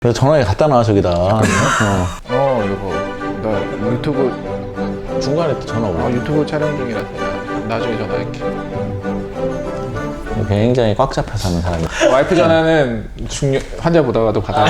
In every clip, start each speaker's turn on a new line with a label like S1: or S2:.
S1: 그래서 전화기 갖다 놔 저기다.
S2: 이거 나 유튜브
S1: 중간에 또 전화 오고.
S2: 유튜브 촬영 중이라서 나중에 전화할게.
S1: 굉장히 꽉 잡혀서 하는 사람이.
S2: 와이프 전화는 환자 보다가도 받아요.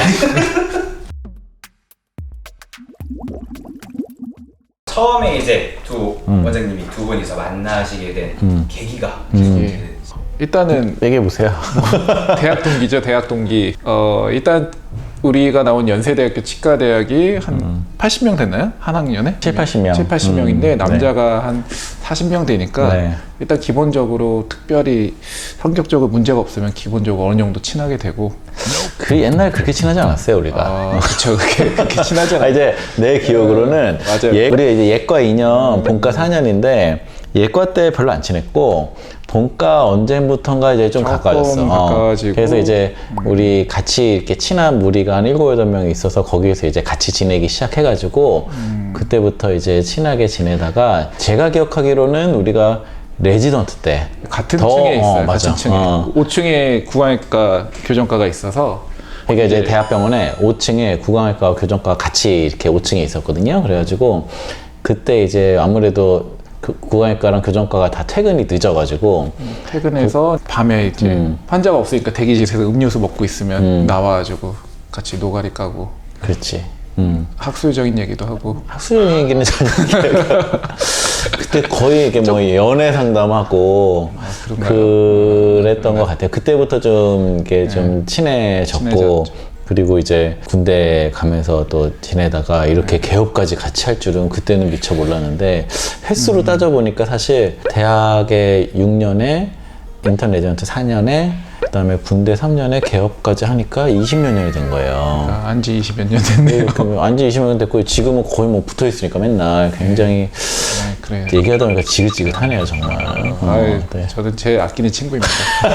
S3: 처음에 이제 두 원장님이 두 분이서 만나시게 된 계기가
S2: 일단은
S1: 얘기해 보세요.
S2: 대학 동기죠. 대학 동기. 일단 우리가 나온 연세대학교 치과대학이 한 80명 됐나요? 한 학년에?
S1: 7, 80명.
S2: 7, 80명인데 남자가 한 40명 되니까
S1: 네.
S2: 일단 기본적으로 특별히 성격적으로 문제가 없으면 기본적으로 어느 정도 친하게 되고.
S1: 그 옛날에 그렇게 친하지 않았어요 우리가.
S2: 그쵸. 그렇게 친하지 않아요.
S1: 이제 내 기억으로는
S2: 맞아요.
S1: 우리가 이제 예과 2년, 본과 4년인데 예과 때 별로 안 친했고 본과 언제부턴가 이제 좀
S2: 조금
S1: 가까워졌어.
S2: 가까워지고.
S1: 그래서 이제 우리 같이 이렇게 친한 무리가 한 7, 8명이 있어서 거기에서 이제 같이 지내기 시작해가지고 그때부터 이제 친하게 지내다가 제가 기억하기로는 우리가 레지던트 때
S2: 같은 층에 있어요.
S1: 맞아.
S2: 같은 층에. 5층에 구강외과 교정과가 있어서
S1: 그러니까 이제 대학병원에 5층에 구강외과 교정과가 같이 이렇게 5층에 있었거든요. 그래가지고 그때 이제 아무래도 구강외과랑 교정과가 다 퇴근이 늦어가지고
S2: 퇴근해서 밤에 이제 환자가 없으니까 대기실에서 음료수 먹고 있으면 나와가지고 같이 노가리 까고
S1: 그렇지.
S2: 학술적인 얘기도 하고.
S1: 학술 얘기는 전혀 그때 거의 이게 뭐 연애 상담하고 그랬던 것 같아요. 그때부터 좀 이게 좀 친해졌고
S2: 친해졌죠.
S1: 그리고 이제 군대 가면서 또 지내다가 이렇게 개업까지 같이 할 줄은 그때는 미처 몰랐는데 횟수로 따져보니까 사실 대학에 6년에 인턴 레지던트 4년에 그다음에 군대 3년에 개업까지 하니까 20몇 년이 된 거예요.
S2: 안지 20몇 년 됐네요.
S1: 안지 20년 됐고 지금은 거의 뭐 붙어 있으니까 맨날 굉장히
S2: 그래요.
S1: 얘기하다 보니까 지긋지긋하네요 정말. 네.
S2: 저는 제 아끼는 친구입니다.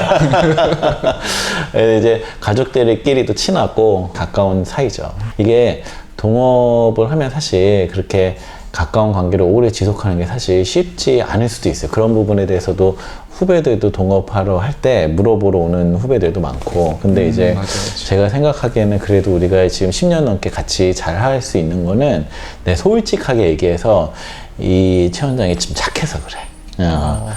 S1: 이제 가족들끼리도 친하고 가까운 사이죠. 이게 동업을 하면 사실 그렇게 가까운 관계를 오래 지속하는 게 사실 쉽지 않을 수도 있어요. 그런 부분에 대해서도 후배들도 동업하러 할 때 물어보러 오는 후배들도 많고 근데 이제
S2: 맞아요.
S1: 제가 생각하기에는 그래도 우리가 지금 10년 넘게 같이 잘 할 수 있는 거는 솔직하게 얘기해서 이 최 원장이 좀 착해서 그래.
S2: 맞아요.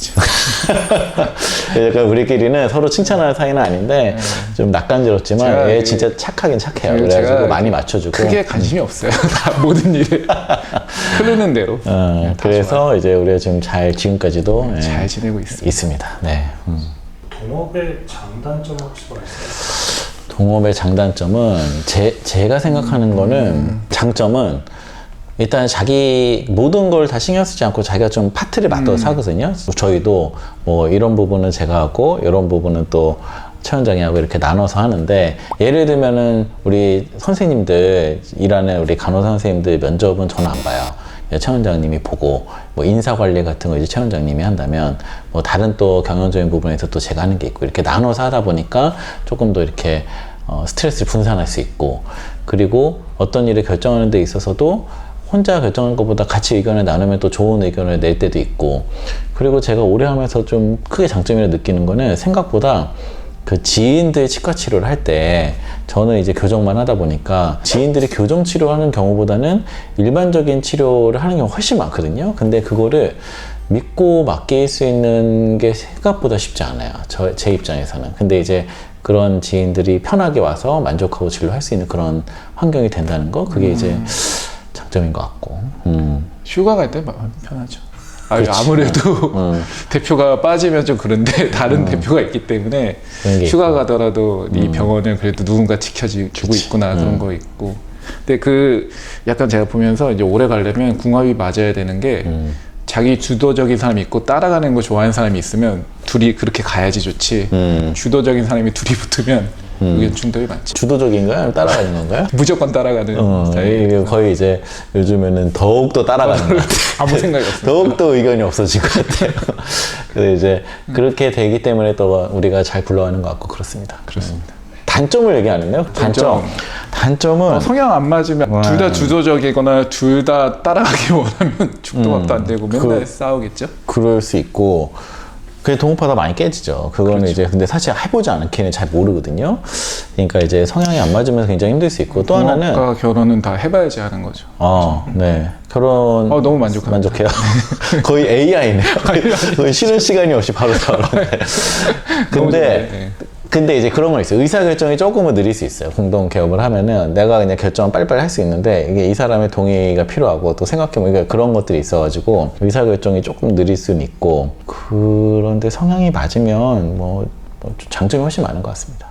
S1: 약간 우리끼리는 서로 칭찬하는 사이는 아닌데 좀 낯간지럽지만 얘 진짜 착하긴 착해요. 그래가지고 많이 맞춰주고
S2: 크게 관심이 없어요. 다 모든 일에 흐르는 대로.
S1: 그래서 이제 우리가 지금 지금까지도
S2: 잘 지내고
S1: 있습니다. 네.
S4: 동업의 장단점 혹시 뭐 있어요?
S1: 동업의 장단점은 제가 생각하는 거는 장점은 일단 자기 모든 걸 다 신경 쓰지 않고 자기가 좀 파트를 맡아서 하거든요. 저희도 뭐 이런 부분은 제가 하고 이런 부분은 또 최 원장이 하고 이렇게 나눠서 하는데 예를 들면은 우리 선생님들 일하는 우리 간호사 선생님들 면접은 저는 안 봐요. 최 원장님이 보고 뭐 인사 관리 같은 거 이제 최 원장님이 한다면 뭐 다른 또 경영적인 부분에서 또 제가 하는 게 있고 이렇게 나눠서 하다 보니까 조금 더 이렇게 스트레스를 분산할 수 있고 그리고 어떤 일을 결정하는 데 있어서도 혼자 결정하는 것보다 같이 의견을 나누면 또 좋은 의견을 낼 때도 있고 그리고 제가 오래 하면서 좀 크게 장점이라 느끼는 거는 생각보다 그 지인들 치과 치료를 할 때 저는 이제 교정만 하다 보니까 지인들이 교정 치료하는 경우보다는 일반적인 치료를 하는 경우가 훨씬 많거든요. 근데 그거를 믿고 맡길 수 있는 게 생각보다 쉽지 않아요. 제 입장에서는. 근데 이제 그런 지인들이 편하게 와서 만족하고 진료할 수 있는 그런 환경이 된다는 거 그게 이제 장점인 것 같고.
S2: 휴가 갈 때 편하죠.
S1: 그렇지.
S2: 아무래도 대표가 빠지면 좀 그런데 다른 대표가 있기 때문에 휴가 가더라도 이 병원을 그래도 누군가 지켜주고 있구나 그런 거 있고. 근데 약간 제가 보면서 이제 오래 가려면 궁합이 맞아야 되는 게 자기 주도적인 사람이 있고 따라가는 거 좋아하는 사람이 있으면 둘이 그렇게 가야지 좋지. 주도적인 사람이 둘이 붙으면 의견 충돌이 많지.
S1: 주도적인가요? 아니면 따라가는 건가요?
S2: 무조건 따라가는 스타일.
S1: 거의 이제 요즘에는 더욱더 따라가는 것 같아요.
S2: 아무 생각이 없어요.
S1: 더욱더 의견이 없어진 것 같아요. 그래서 이제 그렇게 되기 때문에 또 우리가 잘 굴러가는 것 같고 그렇습니다.
S2: 그렇습니다.
S1: 단점을 얘기 안 했나요? 단점은
S2: 성향 안 맞으면 둘 다 주도적이거나 둘 다 따라가기 원하면 죽도 밥도 안 되고 맨날 싸우겠죠?
S1: 그럴 수 있고 그게 동업하다 많이 깨지죠. 그거는
S2: 그렇죠.
S1: 이제 근데 사실 해보지 않기는 잘 모르거든요. 그러니까 이제 성향이 안 맞으면서 굉장히 힘들 수 있고 또 하나는
S2: 동업과 결혼은 다 해봐야지 하는 거죠.
S1: 네. 결혼
S2: 너무 만족합니다.
S1: 만족해요. 거의 AI네요. 거의 쉬는 시간이 없이 바로 나오는데.
S2: 너무
S1: 근데
S2: 좋네. 네.
S1: 근데 이제 그런 거 있어요. 의사결정이 조금은 느릴 수 있어요. 공동 개업을 하면은 내가 그냥 결정을 빨리빨리 할 수 있는데 이게 이 사람의 동의가 필요하고 또 생각해보니까 그런 것들이 있어가지고 의사결정이 조금 느릴 수는 있고 그런데 성향이 맞으면 뭐 장점이 훨씬 많은 것 같습니다.